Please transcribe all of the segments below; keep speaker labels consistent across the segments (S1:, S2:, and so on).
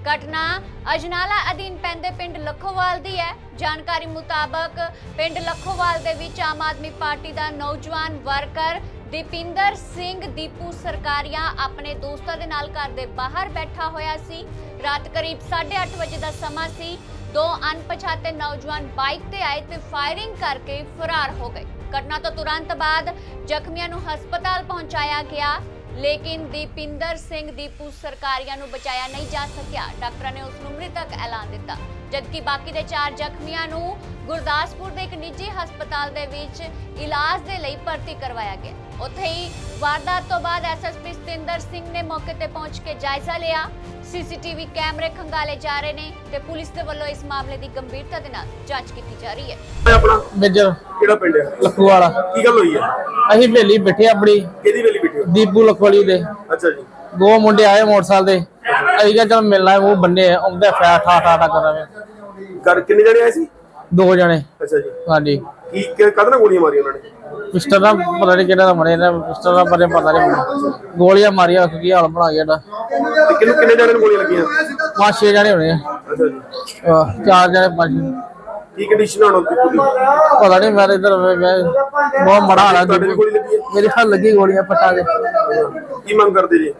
S1: घटना अजनाला अधीन पैंदे पिंड लखोवाल दी है। जानकारी मुताबक पिंड लखोवाल दे विच आम आदमी पार्टी दा नौजवान वर्कर दीपिंदर सिंह दीपू सरकारिया अपने दोस्तां दे नाल घर दे बाहर बैठा होया सी। रात करीब 8:30 बजे दा समा सी। दो अनपछाते नौजवान बाइक ते आए ते फायरिंग करके फरार हो गए। घटना तो तुरंत बाद जख्मियां नूं हस्पताल पहुंचाया गया, लेकिन दीपिंदर सिंह दीपू सरकारिया नूं बचाया नहीं जा सकिया। डॉक्टर ने उसनूं मृतक ऐलान दिता, जबकि बाकी दे 4 जख्मियां नूं गुरदासपुर दे एक निजी हस्पताल दे विच इलाज दे लई भर्ती करवाया गया। उत्थे ही वारदात तो बाद एसएसपी सतिंदर सिंह ने मौके ते पहुंच के जायजा लिया। सीसीटीवी कैमरे खंगाले जा रहे ने ते पुलिस दे वल्लों इस मामले दी गंभीरता दे नाल जांच कीती जा रही है।
S2: अपना
S3: मेजर
S2: ਕਿਹੜਾ ਪਿੰਡ ਹੈ?
S3: लखवाड़ा
S2: ਕੀ ਗੱਲ ਹੋਈ ਹੈ?
S3: ਅਸੀਂ ਵੇਲੀ ਬੈਠੇ ਆਪਣੀ
S2: ਕਿਹਦੀ ਵੇਲੀ ਬੈਠੇ ਹੋ?
S3: ਦੀਪੂ ਲਖਵਾੜੀ ਦੇ
S2: ਅੱਛਾ ਜੀ।
S3: ਦੋ ਮੁੰਡੇ ਆਏ ਮੋਟਰਸਾਈਕਲ ਦੇ। ਅਸੀਂ ਕਿਹਾ ਚਲ ਮਿਲਣਾ ਉਹ ਬੰਨੇ ਆਉਂਦੇ ਫੈ ਠਾ ਠਾ ਠਾ ਕਰਾਵੇ।
S2: ਘਰ ਕਿੰਨੇ ਜਣੇ ਆਏ ਸੀ?
S3: 2 ਜਣੇ।
S2: ਅੱਛਾ ਜੀ।
S3: ਹਾਂਜੀ
S2: ਕਦ ਨਾਲ ਗੋਲੀਆਂ ਮਾਰੀਆਂ ਉਹਨਾਂ ਨੇ?
S3: ਪਿਸਟਲ ਨਾਲ ਪਤਾ ਨਹੀਂ ਕਿਹੜਾ ਦਾ ਮਰੇ ਨੇ, ਪਿਸਟਲ ਨਾਲ ਪਤਾ ਨਹੀਂ ਗੋਲੀਆਂ ਮਾਰੀਆਂ। ਕੀ ਹਾਲ ਬਣਾ ਗਿਆ ਇਹਦਾ।
S2: ਤੇ ਕਿੰਨੇ ਜਣੇ ਨੂੰ ਗੋਲੀਆਂ ਲੱਗੀਆਂ?
S3: 5-6 ਜਣੇ ਹੋਣੇ ਆ।
S2: ਅੱਛਾ ਜੀ।
S3: 4 ਜਣੇ 5
S2: ਕੀ ਕੰਡੀਸ਼ਨ ਹੋਣ ਦੀ ਪੂਰੀ?
S3: ਪਤਾ ਨਹੀਂ। ਮੈਂ ਇਧਰ ਬਹੁਤ ਮੜਾ ਹਾਲਾ।
S2: ਤੁਹਾਡੇ ਵੀ ਗੋਲੀ ਲੱਗੀ ਹੈ?
S3: ਮੇਰੇ ਹੱਥ ਲੱਗੀ ਗੋਲੀਆਂ ਪੱਟਾਂ ਦੇ।
S2: ਕੀ ਮੰਗ ਕਰਦੇ ਜੀ?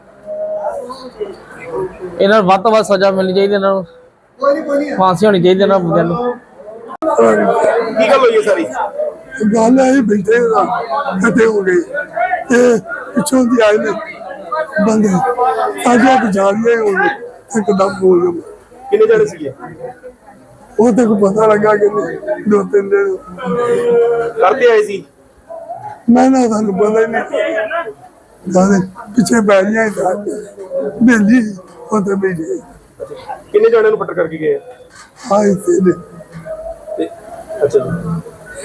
S3: ਇਹਨਾਂ ਨੂੰ ਵੱਧ ਤੋਂ ਵੱਧ ਸਜ਼ਾ ਮਿਲਣੀ ਚਾਹੀਦੀ, ਇਹਨਾਂ ਨੂੰ ਫਾਂਸੀ ਹੋਣੀ ਚਾਹੀਦੀ ਇਹਨਾਂ ਬੰਦਿਆਂ ਨੂੰ।
S2: ਕੀ ਗੱਲ ਹੋਈ ਹੈ ਸਾਰੀ?
S4: ਗੱਲ ਆਈ ਬੈਠੇ ਇਕੱਠੇ ਹੋ ਗਏ ਤੇ ਪਿੱਛੋਂ ਦੀ ਆਏ ਨੇ ਬੰਦੇ ਆਗੇ ਬਚਾ ਲਿਆ। ਉਹ ਇੱਕਦਮ ਬੋਲ ਗਏ।
S2: ਕਿੰਨੇ ਜਣੇ ਸੀਗੇ?
S4: ਉਹ ਤੇ ਕੋ ਪਤਾ ਲੱਗਾ ਕਿ 2-3 ਦਿਨ
S2: ਕਰਦੇ ਆਏ ਸੀ?
S4: ਮੈਂ ਨਾ ਸਾਨੂੰ ਪਤਾ ਹੀ ਨਹੀਂ। ਬਾਅਦ ਪਿੱਛੇ ਬੈ ਗਈਆਂ ਬੇਲੀ ਉਹ ਤੇ ਬੈਠੇ
S2: ਕਿੰਨੇ ਜਣਿਆਂ ਨੂੰ ਫੱਟਰ ਕਰਕੇ ਗਏ?
S4: ਆਏ ਤੇ
S2: ਅੱਛਾ ਜੀ।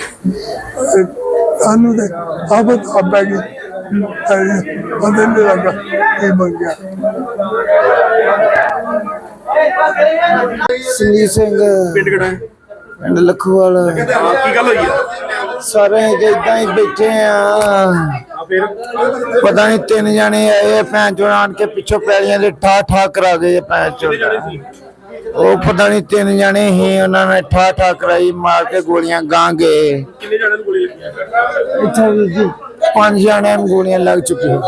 S4: ਸਾਨੂੰ ਤੇ ਆਫਤ ਆ ਪੈ ਗਈ। ਬੰਦੇ ਨੇ ਲੱਗਾ ਕੀ ਬਣ ਗਿਆ।
S5: ਸੰਦੀਪ ਸਿੰਘ
S2: ਪਿੰਡ ਕਿਹੜਾ ਹੈ?
S5: ਪਿੰਡ ਲਖੋਵਾਲ।
S2: ਕੀ ਗੱਲ ਹੋਈ ਹੈ?
S5: ਸਾਰੇ ਇਦਾਂ ਹੀ ਬੈਠੇ ਆ।
S2: ਫਿਰ
S5: ਪਤਾ ਨਹੀਂ 3 ਜਣੇ ਆਏ ਭੈਣ ਚੋਂ ਆਣ ਕੇ ਪਿੱਛੋਂ ਪੈਲੀਆਂ ਦੇ ਠਾ ਠਾ ਕਰਾ ਗਏ। ਭੈਣ ਚੋਂ ਉਹ ਪਤਾ ਨਹੀਂ 3 ਜਣੇ ਹੀ, ਉਹਨਾਂ ਨੇ ਠਾ ਠਾ ਕਰਾਈ, ਮਾਰ ਕੇ ਗੋਲੀਆਂ ਗਾਂ ਗਏ।
S2: ਕਿੰਨੇ ਜਣਿਆਂ ਨੂੰ ਗੋਲੀ ਲੱਗੀ ਹੈ?
S5: ਇੱਥੇ ਵੀ 5 ਜਣਿਆਂ ਨੂੰ ਗੋਲੀਆਂ ਲੱਗ ਚੁੱਕੀਆਂ।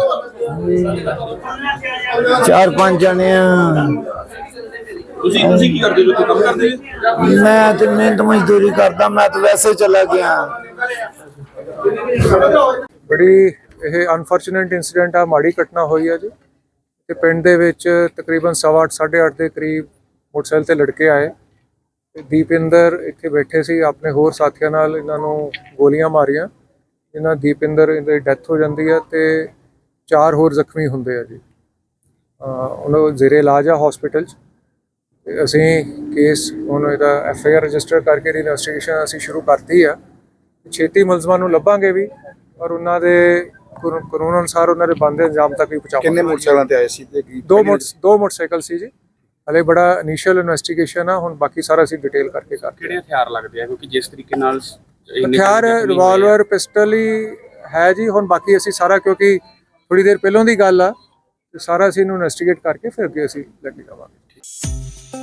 S5: 4-5 ਜਣੇ ਆ।
S2: ਤੁਸੀਂ ਕੀ ਕਰਦੇ ਹੋ? ਕੰਮ ਕਰਦੇ ਹੋ?
S5: ਮੈਂ ਤੇ ਮਿਹਨਤ ਮਜ਼ਦੂਰੀ ਕਰਦਾ। ਮੈਂ ਤਾਂ ਵੈਸੇ ਚਲਾ ਗਿਆ।
S6: ਬੜੀ ਇਹ ਅਨਫੋਰਚੂਨੇਟ ਇਨਸੀਡੈਂਟ ਆ, ਮਾੜੀ ਘਟਨਾ ਹੋਈ ਆ ਜੀ। ਤੇ ਪਿੰਡ ਦੇ ਵਿੱਚ ਤਕਰੀਬਨ 8:30 8:30 ਦੇ ਕਰੀਬ ਮੋਟਰਸਾਈਕਲ ਤੇ ਲੜਕੇ ਆਏ ਤੇ ਦੀਪਿੰਦਰ ਇੱਥੇ ਬੈਠੇ ਸੀ ਆਪਣੇ ਹੋਰ ਸਾਥੀਆਂ ਨਾਲ। ਇਹਨਾਂ ਨੂੰ ਗੋਲੀਆਂ ਮਾਰੀਆਂ। ਇਹਨਾਂ ਦੀਪਿੰਦਰ ਦੀ ਡੈਥ ਹੋ ਜਾਂਦੀ ਆ ਤੇ 4 ਹੋਰ ਜ਼ਖਮੀ ਹੁੰਦੇ ਆ ਜੀ। ਉਹਨਾਂ ਨੂੰ ਜ਼ੇਰੇ ਇਲਾਜ ਆ ਹਸਪੀਟਲ 'ਚ। ਤੇ ਅਸੀਂ ਕੇਸ ਹੁਣ ਇਹਦਾ FIR ਰਜਿਸਟਰ ਕਰਕੇ ਇਨਵੈਸਟੀਗੇਸ਼ਨ ਅਸੀਂ ਸ਼ੁਰੂ ਕਰਤੀ ਆ। ਛੇਤੀ ਮੁਲਜ਼ਮਾਂ ਨੂੰ ਲੱਭਾਂਗੇ ਵੀ ਔਰ ਉਹਨਾਂ ਦੇ ਕਾਨੂੰਨ ਅਨੁਸਾਰ ਉਹਨਾਂ ਦੇ ਬਣਦੇ ਅੰਜਾਮ ਤੱਕ ਵੀ ਪਹੁੰਚਾਵਾਂਗੇ।
S2: ਕਿੰਨੇ ਮੋਟਰਸਾਈਕਲਾਂ ਤੇ ਆਏ ਸੀ ਤੇ
S6: ਦੋ ਮੋਟਰਸਾਈਕਲ ਸੀ ਜੀ। ਹਲੇ ਬੜਾ ਇਨੀਸ਼ੀਅਲ ਇਨਵੈਸਟੀਗੇਸ਼ਨ ਆ, ਹੁਣ ਬਾਕੀ ਸਾਰਾ ਅਸੀਂ ਡਿਟੇਲ ਕਰਕੇ
S7: ਕਿਹੜੇ ਹਥਿਆਰ ਲੱਗਦੇ ਆ? ਕਿਉਂਕਿ ਜਿਸ ਤਰੀਕੇ ਨਾਲ
S6: ਹਥਿਆਰ ਰਿਵਾਲਵਰ ਪਿਸਟਲ ਹੀ ਹੈ ਜੀ। ਹੁਣ ਬਾਕੀ ਅਸੀਂ ਸਾਰਾ, ਕਿਉਂਕਿ ਥੋੜੀ ਦੇਰ ਪਹਿਲਾਂ ਦੀ ਗੱਲ ਆ, ਤੇ ਸਾਰਾ ਅਸੀਂ ਇਹਨੂੰ ਇਨਵੈਸਟੀਗੇਟ ਕਰਕੇ ਫਿਰ ਅੱਗੇ ਅਸੀਂ ਲੈ ਕੇ ਜਾਵਾਂਗੇ।